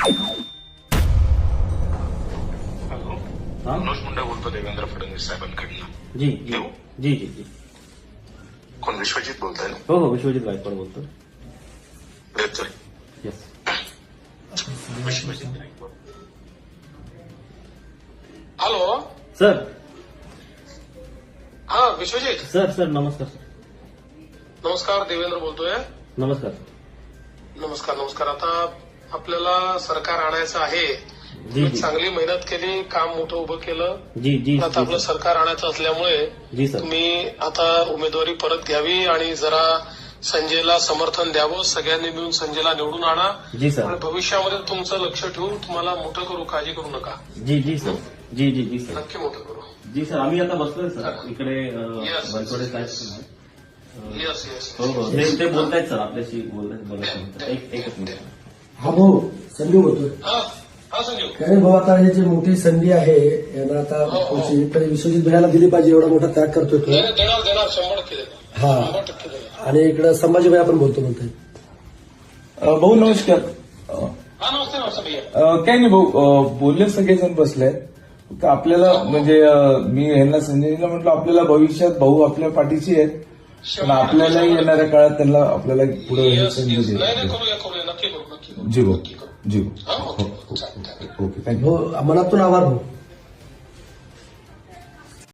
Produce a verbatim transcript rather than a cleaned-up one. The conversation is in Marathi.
हॅलो, हाँ मनोज मुंडे बोलतो देवेंद्र फडणवीस साहेबांकडनं. जी जी देऊ? जी जी जी कोण विश्वजित बोलताय ना? हो हो विश्वजित गायकवाड बोलतो. Sorry, yes Vishwajit Gaikwad. Hello, sir. हा विश्वजित. सर सर नमस्कार सर. नमस्कार, देवेंद्र बोलतोय. नमस्कार. नमस्कार नमस्कार. आता आपल्याला सरकार आणायचं आहे. जी तुम्ही जी चांगली मेहनत केली, काम मोठं उभं केलं. जी जी आता आपलं सरकार आणायचं असल्यामुळे जी सर. तुम्ही आता उमेदवारी परत घ्यावी आणि जरा संजयला समर्थन द्यावं. सगळ्यांनी मिळून संजयला निवडून आणा जी सर. आणि भविष्यामध्ये तुमचं लक्ष ठेवून तुम्हाला मोठं करू, काळजी करू नका. जी जी सर. जी जी जी सर. नक्की मोठं करू. जी सर आम्ही आता बसलोय सर इकडे Yes. बनसोडे साहेब. Yes yes. हो हो ते ते बोलतायत सर आपल्याशी बोलत बोलत एक एकच मिनिट. हा भाऊ संजू बोलतोय. हा हा संजीव. काय भाऊ आता ही जी मोठी संधी आहे यांना आता हो, हो. पुढची तरी विश्वजित भैयाला दिली पाहिजे एवढा मोठा त्याग करतोय तो. देणार देणार देणार शंभर टक्के देणार. हा. शंभर टक्के देणार. आणि इकडे संभाजी भैया पण बोलतो म्हणतोय. अ, भाऊ नमस्कार. अ, हा नमस्ते नमस्ते भैया. अ, काही नाही भाऊ, अ, बोलले सगळेजण बसले. फक्त आपल्याला म्हणजे अ, मी यांना संजयला म्हटलं आपल्याला भविष्यात भाऊ आपल्या पाठीशी आहेत, पण आपल्यालाही येणाऱ्या काळात त्यांना आपल्याला पुढे येस संधी येस. नाही द्यायची. नाही करूया करूया नक्की करू नक्की करू. जी भाऊ, नक्की करू. जी हा भाऊ. ओके चालेल चालेल. Okay thank you. भाऊ मनातून आभार भाऊ.